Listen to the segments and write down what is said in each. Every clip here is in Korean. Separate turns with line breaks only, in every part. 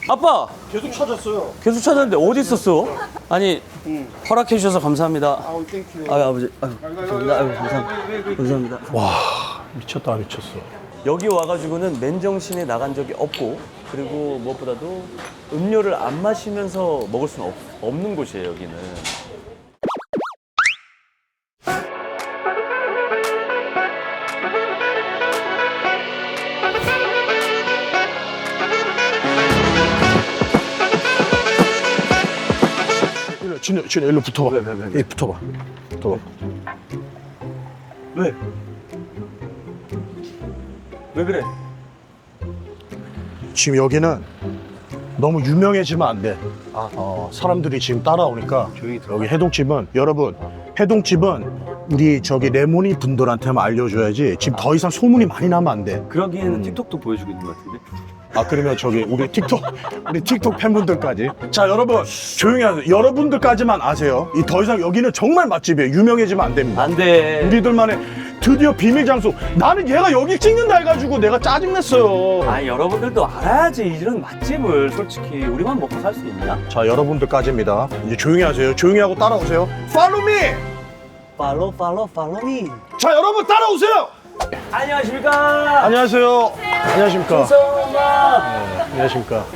아빠!
계속 찾았어요.
계속 찾았는데 어디 있었어? 아니, 허락해 주셔서 감사합니다.
아우 땡큐.
아유, 아버지. 아유, 감사합니다. 아유, 감사합니다. 감사합니다.
와 미쳤다 미쳤어.
여기 와가지고는 맨정신에 나간 적이 없고, 그리고 무엇보다도 음료를 안 마시면서 먹을 수는 없는 곳이에요, 여기는.
진우 일로 붙어봐. 왜? 붙어봐. 붙어봐.
왜? 왜 그래?
지금 여기는 너무 유명해지면 안 돼. 사람들이 지금 따라오니까 여기 해동집은 여러분 해동집은 우리 저기 레모니 분들한테만 알려줘야지 지금 더 이상 소문이 많이 나면 안 돼.
그러기에는 틱톡도 보여주고 있는 것 같은데?
그러면 저기 우리 틱톡 팬분들까지. 자 여러분 조용히 하세요. 여러분들까지만 아세요. 더 이상 여기는 정말 맛집이에요. 유명해지면 안 됩니다.
안 돼.
우리들만의 드디어 비밀 장소. 나는 얘가 여기 찍는다 해가지고 내가 짜증냈어요.
여러분들도 알아야지 이런 맛집을. 솔직히 우리만 먹고 살 수 있냐?
자 여러분들까지입니다. 이제 조용히 하세요. 조용히 하고 따라오세요. Follow me.
팔로우 미.
자 여러분 따라오세요.
안녕하십니까?
안녕하세요. 안녕하십니까.
성마.
안녕하십니까.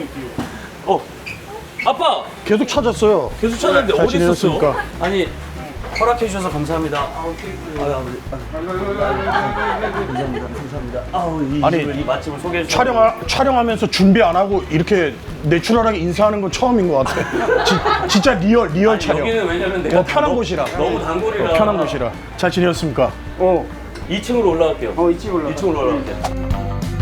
아빠!
계속 찾았어요.
계속 찾았는데
잘
어디 있었어?
지내셨습니까?
아니, 허락해 주셔서 감사합니다. 아유, 아버지. 감사합니다.
아니,
이 맛집을 소개해 주셔서.
촬영하면서 준비 안 하고 이렇게 내추럴하게 인사하는 건 처음인 것 같아. 진짜 리얼 촬영.
여기는 왜냐면 내가
편한 곳이라.
너무 단골이라.
편한 곳이라. 잘 지내셨습니까?
2층으로 올라갈게요.
2층으로
올라갈게요.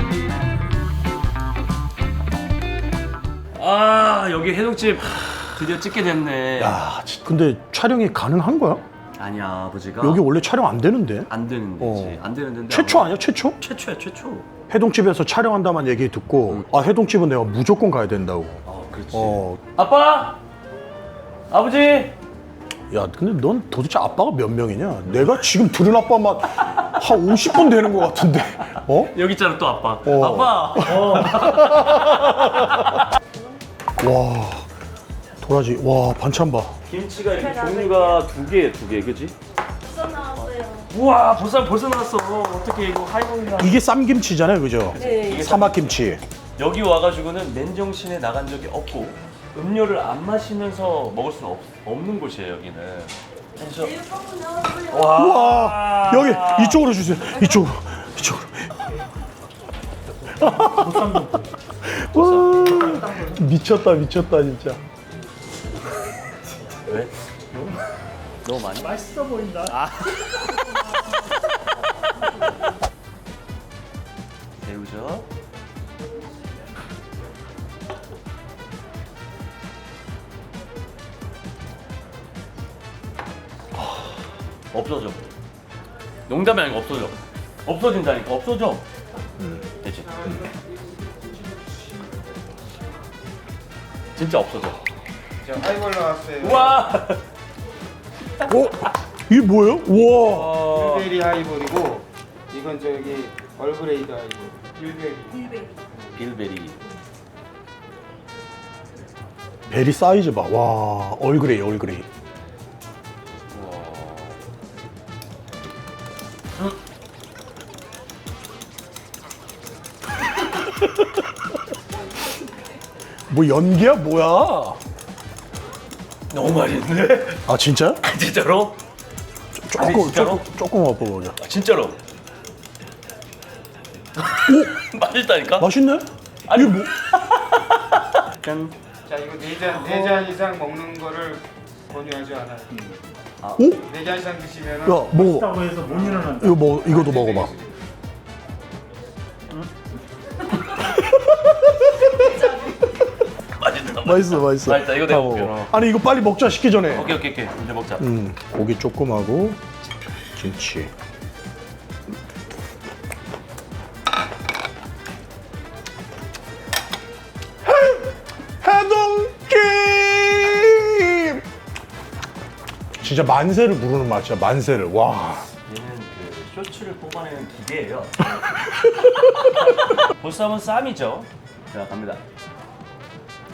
여기 해동집 드디어 찍게 됐네.
야, 근데 촬영이 가능한 거야?
아니야, 아버지가.
여기 원래 촬영 안 되는데.
안 되는 데지. 안 되는 데인데.
최초 아니야? 최초?
최초야, 최초.
해동집에서 촬영한다만 얘기 듣고 해동집은 내가 무조건 가야 된다고.
그렇지. 아빠! 아버지!
야, 근데 넌 도대체 아빠가 몇 명이냐? 내가 지금 들은 아빠만 한 50분 되는 것 같은데.
여기 있잖아, 또 아빠. 아빠!
와, 도라지. 와, 반찬 봐.
김치가 이렇게 종류가 두 개, 그지?
벌써 나왔어요.
우와, 벌써 나왔어. 어떻게 이거 하이볼이나.
이게 쌈김치잖아요, 그죠?
네.
사막김치.
여기 와가지고는 맨정신에 나간 적이 없고, 음료를 안 마시면서 먹을 수는 없는 곳이에요, 여기는. 그래서
일본은 나왔어요.
우와, 여기 이쪽으로 주세요. 이쪽으로. 와, 미쳤다 진짜.
왜? 너무 많이?
맛있어 보인다.
새우젓. 없어져. 농담이 아니고 없어져. 없어진다니까. 없어져. 되지. 진짜 없어져.
자, 하이볼 나왔어요.
우와.
이게 뭐예요? 우와.
빌베리 하이볼이고 이건 저기 얼그레이드 하이볼. 빌베리.
빌베리.
베리 사이즈 봐. 와, 얼그레이. 뭐 연기야 뭐야?
너무 맛있는데?
아 진짜?
진짜로? 아니, 진짜로?
조금 먹어보자.
진짜로? 맛있다니까?
맛있네?
아니,
이게 뭐?
짠.
자, 이거 네 잔 이상 먹는 거를 권유하지 않아요.
오?
4잔 이상 드시면은
야 먹어.
다고 해서 못 일어난다.
이거 먹어. 이거도 먹어봐. 맛있어.
맛있다. 이거 내가
다 먹어.
먹을게요.
아니 이거 빨리 먹자 식기 전에.
오케이. 이제 먹자.
고기 조금 하고 김치. 해동김. 진짜 만세를 부르는 맛이야. 만세를. 와.
얘는 그 쇼츠를 뽑아내는 기계예요. 보쌈은 쌈이죠. 자, 갑니다.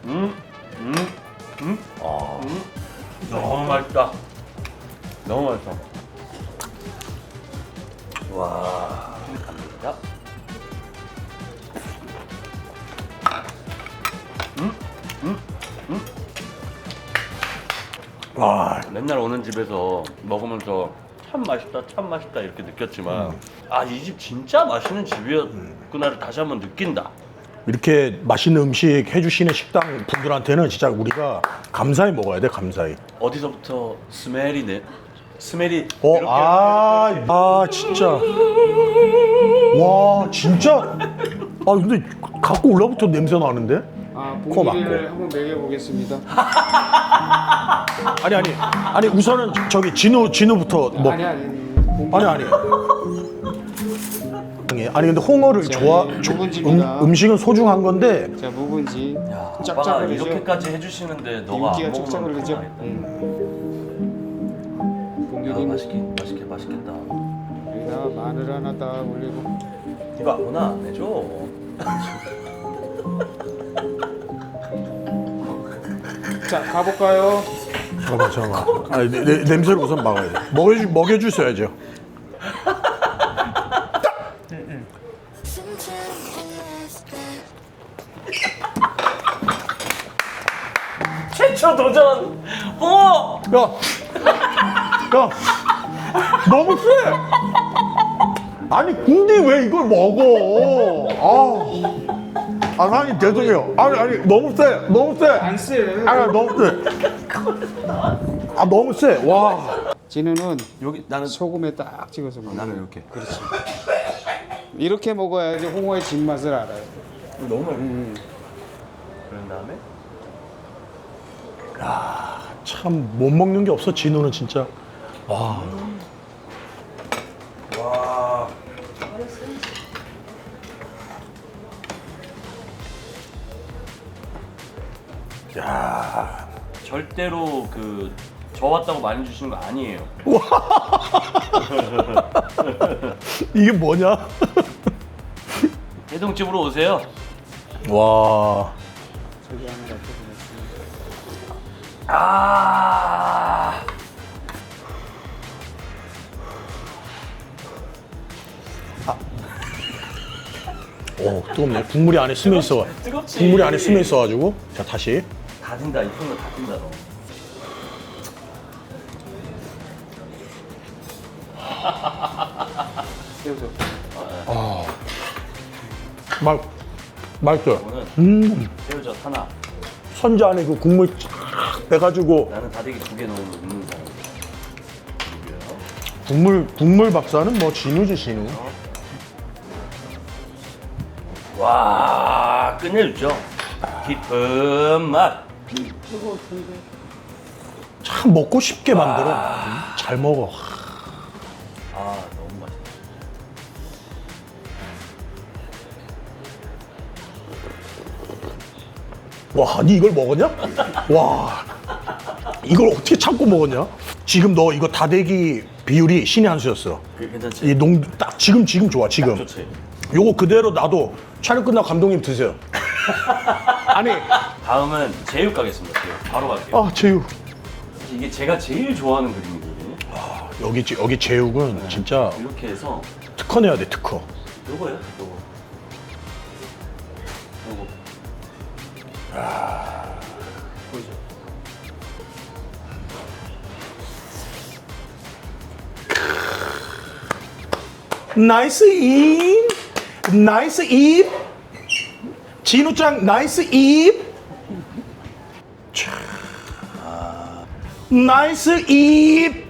너무 맛있다. 너무 맛있어. 와, 갑니다.
와,
맨날 오는 집에서 먹으면서 참 맛있다, 참 맛있다 이렇게 느꼈지만 아, 이 집 진짜 맛있는 집이었구나를 다시 한번 느낀다.
이렇게 맛있는 음식 해주시는 식당 분들한테는 진짜 우리가 감사히 먹어야 돼, 감사히.
어디서부터 스멜이
진짜. 와, 진짜. 아, 근데 갖고 올라부터 냄새 나는데? 코
봉기를
막고.
한번 먹여보겠습니다.
아니, 우선은 저기 진우부터 먹.
아니.
아니. 아니 근데 홍어를
자, 묵은지입니다.
음식은 소중한 건데
자, 묵은지
아빠가
짝짝 흐르죠.
이렇게까지 해주시는데 너가 안
윤기가 짝짝
먹으면
흐르죠.
큰일 나겠다. 야,
봉기님
맛있겠다.
여기다가 마늘 하나 딱 올리고.
이거 아무나 안 해줘.
자, 가볼까요?
잠깐만. 아니, 냄새를 우선 막아야 돼. 먹여주셔야죠.
최초 도전 홍어.
야, 너무 세. 아니 근데 왜 이걸 먹어? 사장님 죄송해요. 아니 너무 세.
안 쎄.
너무 세. 너무 세. 와.
진우는
여기 나는
소금에 딱 찍어서 먹어.
나는 이렇게.
그렇지. 이렇게 먹어야지 홍어의 진맛을 알아요.
너무 맛있어. 그런 다음에
참 못 먹는 게 없어 진우는 진짜. 와. 야.
절대로 그 저 왔다고 많이 주시는 거 아니에요.
이게 뭐냐?
해동집으로 오세요.
와.
저기 하나 갖다 보냈습니다.
아.
오, 뜨겁네. 국물이 안에 스며 있어.
뜨겁지.
국물이 안에 스며 있어가지고. 자, 다시.
다 든다. 이 손으로 다 든다 너.
새우젓.
맛있어요.
이거는 새우젓 하나.
선자 안에 그 국물 쫙 빼가지고
나는 다대기 2개 넣으면 넣는 사람.
국물 박사는 뭐 진우지 진우.
와, 끝내주죠. 깊은 맛.
참 먹고 싶게 만들어. 잘 먹어.
아, 너무 맛있다.
와, 니 이걸 먹었냐? 와, 이걸 어떻게 참고 먹었냐? 지금 너 이거 다대기 비율이 신의 한 수였어.
그게 괜찮지?
이 딱 지금 좋아 지금.
좋지.
요거 그대로 놔도 촬영 끝나고 감독님 드세요. 아니,
다음은 제육 가겠습니다. 제육. 바로 갈게요.
제육.
이게 제가 제일 좋아하는 그림이거든요.
여기 제육은 진짜
이렇게 해서
특허 내야 돼 특허.
요거요. 요거. 보이죠?
나이스 입, 나이스 입. 진우짱 나이스 입. 촤. 나이스 입.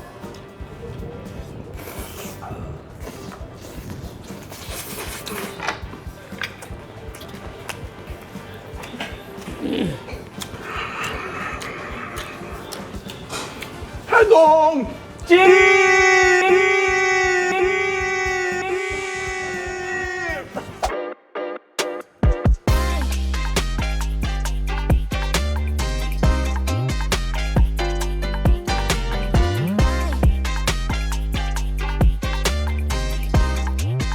해동 찜.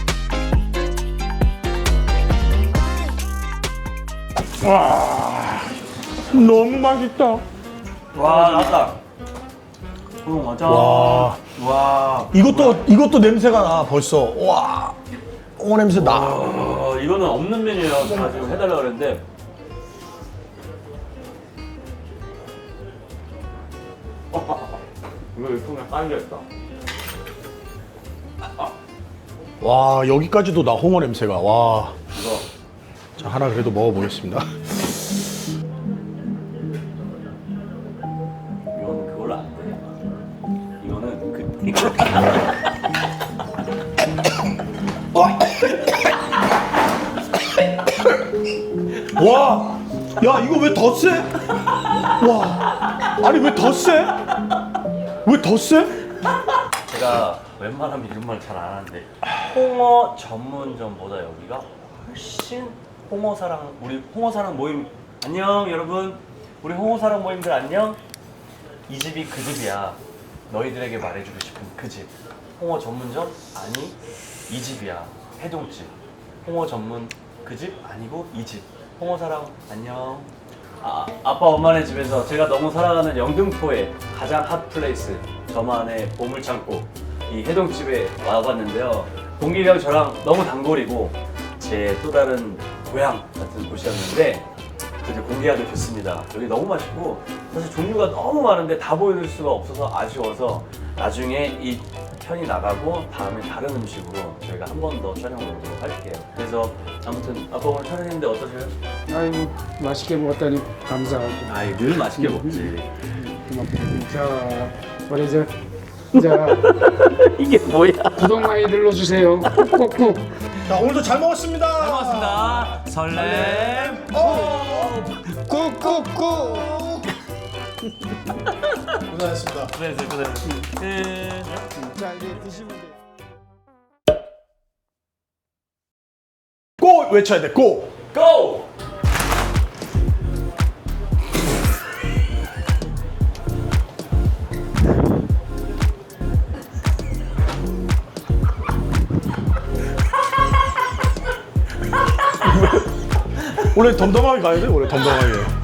와. 너무 맛있다.
와 나왔다. 맞아.
와.
와.
이것도 냄새가 나 벌써. 와. 홍어 냄새 나.
이거는 없는 메뉴예요. 제가 지금 해달라 그랬는데. 이거 유통에 깔려있다.
와, 여기까지도 나 홍어 냄새가. 와.
이거
자, 하나 그래도 먹어보겠습니다.
이거는 그걸로 안 돼. 이거는 이거.
와, 야 이거 왜 더 세? 와, 아니 왜 더 세? 왜 더 세?
제가 웬만하면 이런 말 잘 안 하는데 홍어 전문점보다 여기가 훨씬 홍어사랑 우리 홍어사랑 모임 안녕 여러분 우리 홍어사랑 모임들 안녕 이 집이 그 집이야 너희들에게 말해주고 싶은 그 집 홍어 전문점 아니 이 집이야 해동집 홍어 전문 그 집 아니고 이 집 홍어사랑 안녕 아빠 엄마네 집에서 제가 너무 사랑하는 영등포의 가장 핫 플레이스 저만의 보물창고 이 해동집에 와봤는데요 동길이랑 저랑 너무 단골이고 제 또 다른 고향 같은 곳이었는데 이제 공개하게 됐습니다. 여기 너무 맛있고 사실 종류가 너무 많은데 다 보여줄 수가 없어서 아쉬워서 나중에 이 편이 나가고 다음에 다른 음식으로 저희가 한 번 더 촬영을 오도록 할게요. 그래서 아무튼 아빠 오늘 촬영했는데 어떠세요?
아이고 맛있게 먹었다니 감사하고.
아이 늘 맛있게 먹지.
자, 우리 자
이게 뭐야?
구독 많이 눌러주세요. 꾹꾹꾹.
자, 오늘도 잘 먹었습니다.
잘 먹었습니다. 설렘.
꾹꾹꾹.
고생하셨습니다.
고생했어요. 끝.
자 이제 드시면 돼요.
고 외쳐야 돼. 고.
고!
원래 덤덤하게 가야 돼. 원래 덤덤하게.